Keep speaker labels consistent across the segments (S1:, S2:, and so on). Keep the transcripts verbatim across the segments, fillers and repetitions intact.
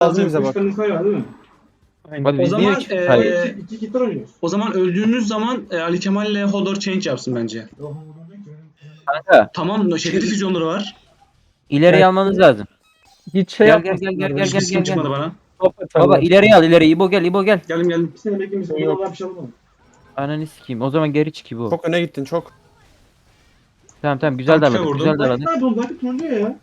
S1: Lazım bize bak.
S2: Üç tane var değil mi?
S3: Hadi
S4: O
S3: biz niye
S4: zaman
S3: üç
S4: eee,
S3: sayı?
S2: İki kitler oynuyoruz.
S4: o zaman öldüğümüz zaman e, Ali Kemal ile Hodor change yapsın bence.
S3: Kanka
S4: Tamam, şeyleri füzyonları var.
S3: ileriye almanız lazım.
S5: Hiç şey
S3: Gel gel
S5: yapmasınlar.
S3: gel gel
S5: böyle.
S3: gel gel
S4: Hiçbir
S3: gel.
S4: çıkmadı
S3: gel.
S4: bana.
S5: Top
S3: Baba
S5: atarlar.
S3: ileriye al ileriye. İbo gel İbo gel.
S4: Geldim geldim.
S2: Bir sene beklemişsin.
S5: Yok.
S2: Yok. Bir şey olmadı.
S3: Ananı sikeyim. O zaman geri çık İbo.
S1: Çok öne gittin çok.
S3: Tamam tamam güzel
S4: Tam tüfe
S3: darladık.
S4: vurdum.
S3: Güzel darladık.
S2: Belki nerede oldu? Belki turnuyor ya.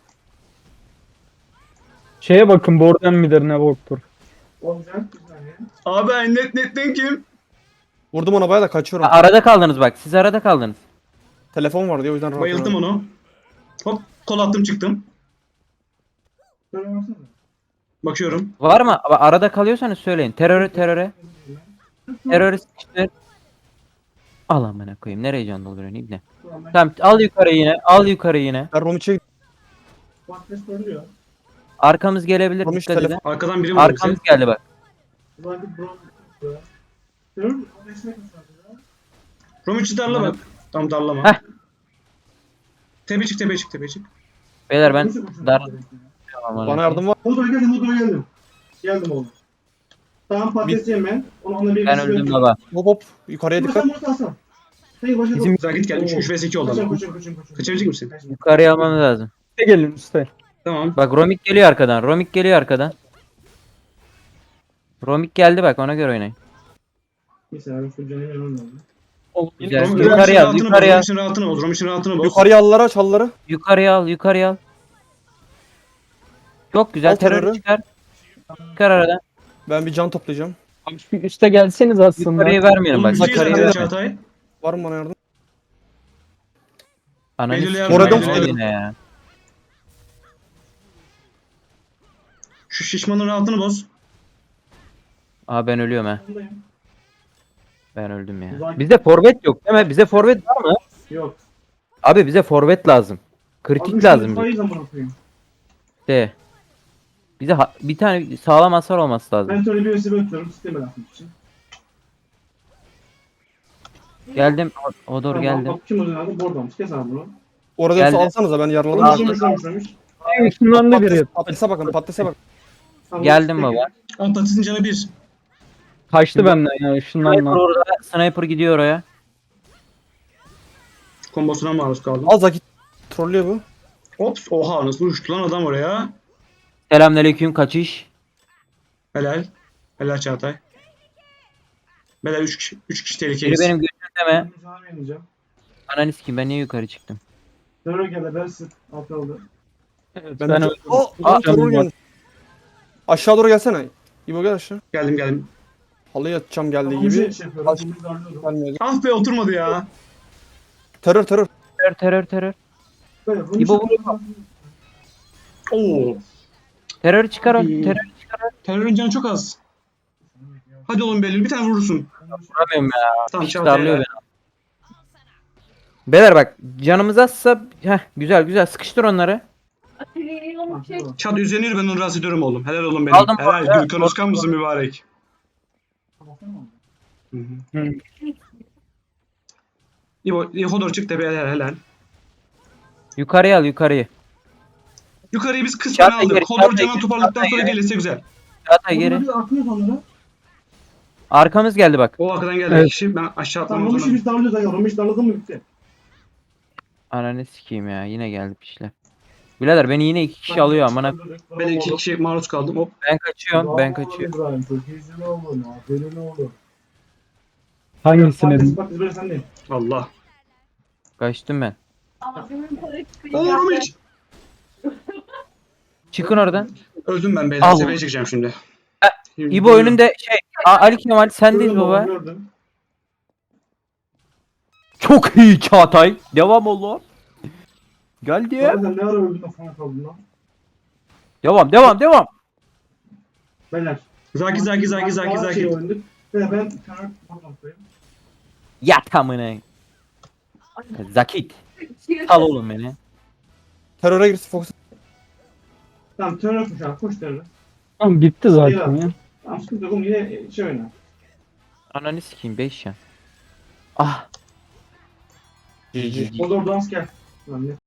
S5: Şeye bakın Borden midir ne boktur.
S2: Olacak. Bir saniye.
S4: Abi ben net netten kim?
S1: Vurdum ona bayağı da kaçıyorum.
S3: Ha, arada kaldınız bak. Siz arada kaldınız.
S1: Telefon var diye o yüzden rahat
S4: Bayıldım
S1: oynadım.
S4: onu. Hop kol attım çıktım.
S2: Şöyle baksana.
S4: Bakıyorum.
S3: Var mı? Ama arada kalıyorsanız söyleyin. Teröre teröre. Teröre sıkıştır. Al amına koyayım. Nereye can dolduruyorsun İbne?
S2: Tamam, ben-
S3: Tamam al yukarı yine. Al yukarı yine.
S1: Ben Romiç'e
S2: Patates koyuluyor.
S3: Arkamız gelebilir.
S1: Romiç
S3: Dikkat edin.
S1: telefon.
S4: Arkadan biri vurdu bize.
S3: Arkamız geldi bak.
S2: Ulan bir bronz. Görüyor musun? O destek atıyor ya.
S4: Romiç'i darla bak. Tam darlama.
S3: Heh.
S4: Tepe çık tepe çık tepe çık.
S3: Beyler ben
S2: Nasıl koşuyor?
S3: dar... Aman
S1: Bana
S3: Allah'ım.
S1: yardım var.
S2: Hodor'a geldim, Hodor'a geldim. Geldim oğlum. Tamam patates yiyeyim ben. Onu onunla bir
S3: Ben öldüm baba.
S1: Hop hop. Yukarıya dikkat.
S2: Sen bunu alsan. Sen başa
S3: Bizim-
S4: Güzel git gel. üç vs iki oldu
S2: Koşun
S4: ama.
S2: koşun koşun koşun.
S4: Kaçabilecek misin?
S3: Yukarıya almamız lazım.
S5: Üste gelin üste.
S4: Tamam.
S3: Bak Romik geliyor arkadan. Romik geliyor arkadan. Romik geldi bak ona göre oynayın.
S2: Bir saniye şu canım yanım lazım.
S5: Oğlum,
S3: Güzel.
S4: Rom-
S3: Yukarıya
S4: Romiç'in
S3: al,
S4: rahatını boz.
S3: yukarıya al.
S4: Romiç'in rahatını boz. Romiç'in rahatını boz.
S1: Yukarıya allara çalları.
S3: Yukarıya al, yukarıya al. Çok güzel.
S1: Al
S3: Terörü
S1: terörü.
S3: çıkar. Çıkar aradan.
S1: Ben bir can toplayacağım.
S5: Abi şu üste gelseniz aslında.
S3: Yukarıya vermeyelim bak.
S4: Oğlum, bir şey
S3: Yukarıya
S4: söyle
S3: vermeyelim.
S4: Çağatay.
S1: Var mı bana yardım?
S3: Ananı
S4: Belirli
S3: sikeyim.
S4: yardım,
S3: Orada
S1: belirli
S3: yine ya.
S4: Şu şişmanın rahatını boz.
S3: Aa ben ölüyorum ha.
S2: Ondayım.
S3: Ben öldüm ya.
S2: Uzak-
S3: Bizde forvet yok değil mi? Bize forvet var mı?
S2: Yok.
S3: Abi bize forvet lazım. Kritik
S2: Abi,
S3: lazım
S2: şu
S3: bize.
S2: sayı zaman okuyayım.
S3: De. Bize ha- bir tane sağlam hasar olması lazım.
S2: Ben şöyle bir vesile atıyorum sisteme atmak için.
S3: Geldim. O, o doğru
S2: Tamam,
S3: geldim.
S2: Bak kim o zaman bordamış. Kes abi bunu.
S1: Orada
S3: Geldi.
S1: yoksa alsanıza ben yaraladım.
S2: Onu
S3: Aldım.
S2: şöyle şöyle şöyle.
S5: Işınlandı biri.
S1: Patates, patatese bakın patatese bak.
S2: Tamam,
S3: Geldim
S2: peki.
S3: baba.
S4: On patatesin canı bir.
S5: Kaçtı benden ya
S3: Sniper
S5: ışınlanma.
S3: orada. Sniper gidiyor oraya.
S4: Kombosuna maruz kaldım.
S1: Az vakit trollüyor bu.
S4: Ops. Oha nasıl uçtu lan adam oraya.
S3: Selamünaleyküm kaçış.
S4: Helal. Helal Çağatay. Helal üç kişi. üç kişi
S3: Biri
S4: tehlikeyiz.
S3: benim gözüm deme.
S2: Ben müsaade vermeyeceğim.
S3: Ananı sikeyim ben niye yukarı çıktım?
S2: Terör geldi. Ben sık. Alt oldu.
S5: Evet,
S1: Ben,
S5: ben
S1: de...
S5: öldüm.
S1: O,
S3: Aa,
S1: o troll geldi. Aşağı doğru gelsene. İbo gel aşağı.
S4: Geldim geldim.
S1: Halıya atacağım geldiği
S2: Tamam, bir
S1: gibi.
S2: şey, şey yapıyorum.
S1: Aç-
S2: Bunu darlıyorum.
S1: Gelmiyor.
S4: Ah be oturmadı ya.
S1: Terör terör.
S3: Terör terör terör.
S2: Böyle, bunu
S3: İbo
S2: şey-
S4: Oo.
S3: Terör çıkar o.
S4: İyi.
S3: Terör çıkar o.
S4: Terörün canı çok az. Hadi oğlum Belül bir tane vurursun.
S3: Vuramıyorum ya.
S4: Tamam
S3: Piç
S4: Çağatay.
S3: darlıyor
S4: helal.
S3: beni. Beyler bak canımız azsa heh, güzel güzel sıkıştır onları.
S4: Çat üzerine yürü, ben onu rahatsız ediyorum oğlum. Helal oğlum benim.
S3: Aldım,
S4: Helal.
S3: aldım.
S4: Gürkan Özkan mısın mübarek? Hı hı.
S5: Hı.
S4: İbo, Hodor çık tepeye helal helal.
S3: Yukarıya al yukarıyı.
S4: Yukarıyı biz kısmen
S3: Çağatay
S4: aldık.
S3: geri,
S4: Hodor
S3: Çağatay
S4: canını
S3: geri,
S4: toparladıktan
S3: Çağatay
S4: sonra
S3: geri.
S4: gelirse güzel.
S3: Çağatay geri.
S2: Biz atıyoruz onları.
S3: Arkamız geldi bak.
S4: O arkadan geldi
S5: Evet.
S4: kişi. Ben aşağı
S2: Tamam
S4: atlamam
S2: onu
S4: zorunda.
S2: biz darlıyoruz. Ayol. Onu biz darladın mı bitti.
S3: Ananı sikeyim ya yine geldi pişler. Birader beni yine iki kişi alıyor amına.
S4: Ben iki kişi maruz kaldım. Hop.
S3: Ben kaçıyorum ben kaçıyorum.
S2: İbrahim çok iyisin oğlum. Aferin oğlum.
S5: Hangisini?
S2: Patates bak biz böyle sendeyim.
S4: Allah.
S3: Kaçtım ben.
S4: Oo Romiç.
S3: Çıkın oradan.
S4: Öldüm ben beyler.
S3: Al.
S4: Tepeye çıkacağım şimdi.
S3: İbo önünde şey. Aa, Ali Kemal sendeyiz
S2: Gördüm
S3: baba.
S2: Gördüm.
S3: Çok iyi Çağatay. Devam oğlum. Geldi.
S2: Ya sen ne ara öldün de falan kaldın lan.
S3: Devam devam devam.
S2: Beyler.
S4: Zaki zaki zaki zaki
S2: Bazı şey
S4: zaki.
S2: oynadık. Ve ben karar buradan koyayım.
S3: Yat amına. Zakit. Al oğlum beni.
S1: Teröre girsin fokus.
S2: Tamam terör koş abi. Koş terör.
S5: Tamam bitti zaten ya.
S2: Tamam sıkıntı yok. Oğlum yine şey oyna.
S3: Ananı sikeyim beş yan. Ah.
S1: G G.
S2: Odor dans gel. Lan ne